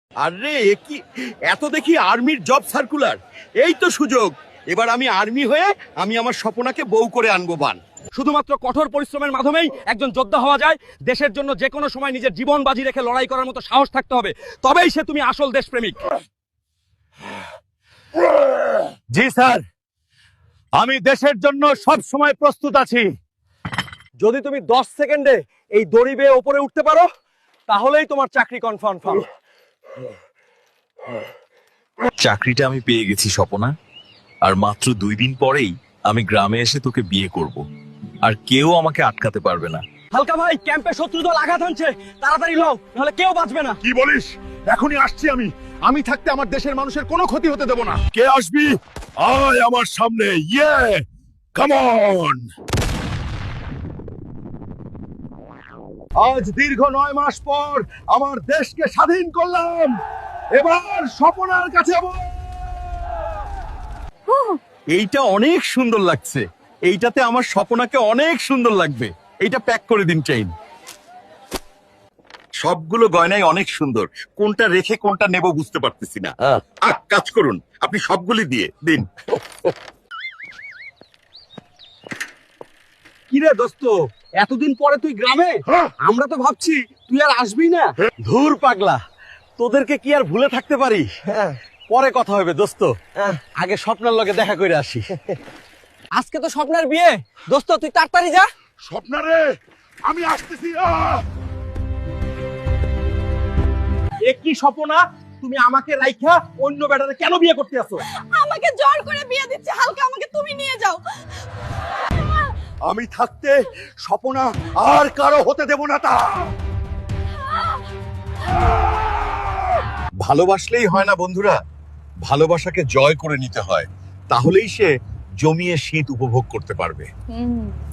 আরে এ কি, এত দেখি আর্মির জব সার্কুলার। এই তো সুযোগ, এবার আমি আর্মি হয়ে আমি আমার স্বপনাকে বউ করে আনবো বান। শুধুমাত্র কঠোর পরিশ্রমের মাধ্যমেই একজন যোদ্ধা হওয়া যায়। দেশের জন্য যে কোনো সময় নিজের জীবন বাজি রেখে লড়াই করার মতো সাহস থাকতে হবে, তবেই সে তুমি আসল দেশপ্রেমিক। জি স্যার, আমি দেশের জন্য সব সময় প্রস্তুত আছি। যদি তুমি 10 সেকেন্ডে এই দড়ি বেয়ে ওপরে উঠতে পারো, তাহলেই তোমার চাকরি কনফার্ম। চাকরিটা আমি পেয়ে গেছি স্বপনা, আর মাত্র 2 দিন পরেই আমি গ্রামে এসে তোকে বিয়ে করব, আর কেউ আমাকে আটকাতে পারবে না। হালকা ভাই, ক্যাম্পে শত্রু দল আঘাত হানছে, তাড়াতাড়ি লও, নাহলে কেউ বাঁচবে না। কি বলিস? এখনই আসছি আমি। আমি থাকতে আমার দেশের মানুষের কোনো ক্ষতি হতে দেব না। কে আসবি? আয় আমার সামনে। ইয়ে, কাম অন। আজ দীর্ঘ 9 মাস পর আমার দেশকে স্বাধীন করলাম। এবার স্বপনার কাছে এইটা অনেক সুন্দর লাগছে, এইটাতে আমার স্বপনাকে অনেক সুন্দর লাগবে। এইটা প্যাক করে দিন চেইন। সবগুলো গয়নাই অনেক সুন্দর, কোনটা রেখে কোনটা নেব বুঝতে পারতেছি না। কাজ করুন, আপনি সবগুলি দিয়ে দিন। কিরে দোস্ত, এতদিন পরে তুই গ্রামে? আমরা তো ভাবছি তুই আর আসবি না। ধুর পাগলা, তোদেরকে কি আর ভুলে থাকতে পারি? পরে কথা হবে দোস্ত, আগে স্বপ্নের লগে দেখা করে আসি। আজকে তো স্বপ্নের বিয়ে, দোস্ত তুই তাড়াতাড়ি যা। স্বপ্নারে, আমি আসতেছি। এ কি স্বপ্না, তুমি আমাকে রাইখা অন্য বেটারে কেন বিয়ে করতে আসো? আমাকে জোর করে বিয়ে দিচ্ছে হালকা, আমাকে তুমি নিয়ে যাও। আমি থাকতে স্বপনা আর কারো হতে দেব না তা। ভালোবাসলেই হয় না বন্ধুরা, ভালোবাসাকে জয় করে নিতে হয়, তাহলেই সে জমিয়ে শীত উপভোগ করতে পারবে।